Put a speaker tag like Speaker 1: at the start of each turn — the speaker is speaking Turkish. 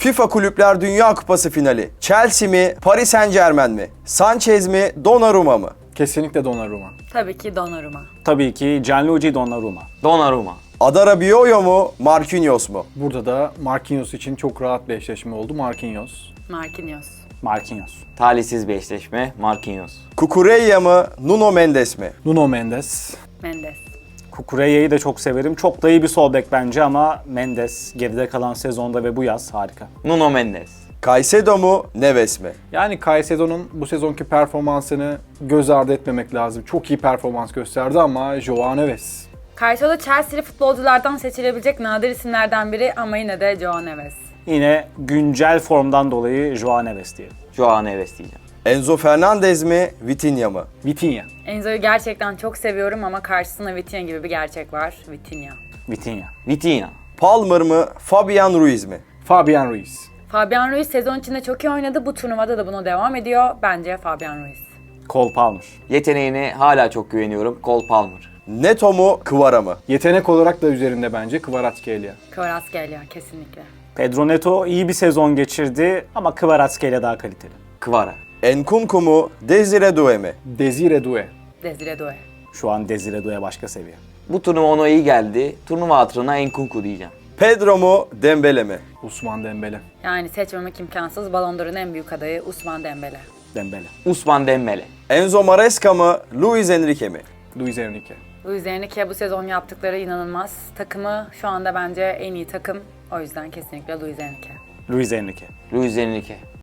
Speaker 1: FIFA Kulüpler Dünya Kupası finali. Chelsea mi, Paris Saint-Germain mi? Sanchez mi, Donnarumma mı?
Speaker 2: Kesinlikle Donnarumma.
Speaker 3: Tabii ki Donnarumma.
Speaker 4: Tabii ki Gianluigi Donnarumma.
Speaker 5: Donnarumma.
Speaker 1: Adara Bioyo mu, Marquinhos mu?
Speaker 2: Burada da Marquinhos için çok rahat bir eşleşme oldu. Marquinhos.
Speaker 3: Marquinhos.
Speaker 4: Marquinhos.
Speaker 5: Talihsiz bir eşleşme. Marquinhos.
Speaker 1: Cucurella mı, Nuno Mendes mi?
Speaker 2: Nuno Mendes.
Speaker 3: Mendes.
Speaker 4: Cucurella'yı da çok severim. Çok da iyi bir sol bek bence ama Mendes geride kalan sezonda ve bu yaz harika.
Speaker 5: Nuno Mendes.
Speaker 1: Caicedo mu, Neves mi?
Speaker 2: Yani Caicedo'nun bu sezonki performansını göz ardı etmemek lazım. Çok iyi performans gösterdi ama Joao Neves.
Speaker 3: Caicedo Chelsea'li futbolculardan seçilebilecek nadir isimlerden biri ama yine de Joao Neves.
Speaker 4: Yine güncel formdan dolayı Joao Neves diyelim.
Speaker 5: Joao Neves diyeceğim.
Speaker 1: Enzo Fernandez mi, Vitinha mı?
Speaker 2: Vitinha.
Speaker 3: Enzo'yu gerçekten çok seviyorum ama karşısında Vitinha gibi bir gerçek var. Vitinha.
Speaker 4: Vitinha.
Speaker 5: Vitinha.
Speaker 1: Palmer mı, Fabian Ruiz mi?
Speaker 2: Fabian Ruiz.
Speaker 3: Fabian Ruiz sezon içinde çok iyi oynadı. Bu turnuvada da buna devam ediyor. Bence Fabian Ruiz.
Speaker 4: Cole Palmer.
Speaker 5: Yeteneğine hala çok güveniyorum. Cole Palmer.
Speaker 1: Neto mu, Kvara mı?
Speaker 2: Yetenek olarak da üzerinde bence Kvaratskhelia.
Speaker 3: Kvaratskhelia kesinlikle.
Speaker 4: Pedro Neto iyi bir sezon geçirdi ama Kvaratskhelia daha kaliteli.
Speaker 5: Kvara.
Speaker 1: Enkunku mu, Desire Doué mi?
Speaker 2: Desire Doué.
Speaker 3: Desire Doué.
Speaker 4: Şu an Desire Doué başka seviye.
Speaker 5: Bu turnuva ona iyi geldi. Turnuva hatırına Enkunku diyeceğim.
Speaker 1: Pedro mu, Dembele mi?
Speaker 2: Ousmane Dembele.
Speaker 3: Yani seçmemek imkansız. Ballon d'Or'un en büyük adayı Ousmane Dembele.
Speaker 4: Dembele.
Speaker 5: Ousmane Dembele.
Speaker 1: Enzo Maresca mı, Luis Enrique mi?
Speaker 2: Luis Enrique.
Speaker 3: Luis Enrique bu sezon yaptıkları inanılmaz. Takımı şu anda bence en iyi takım. O yüzden kesinlikle Luis Enrique.
Speaker 4: Luis Enrique.
Speaker 5: Luis Enrique.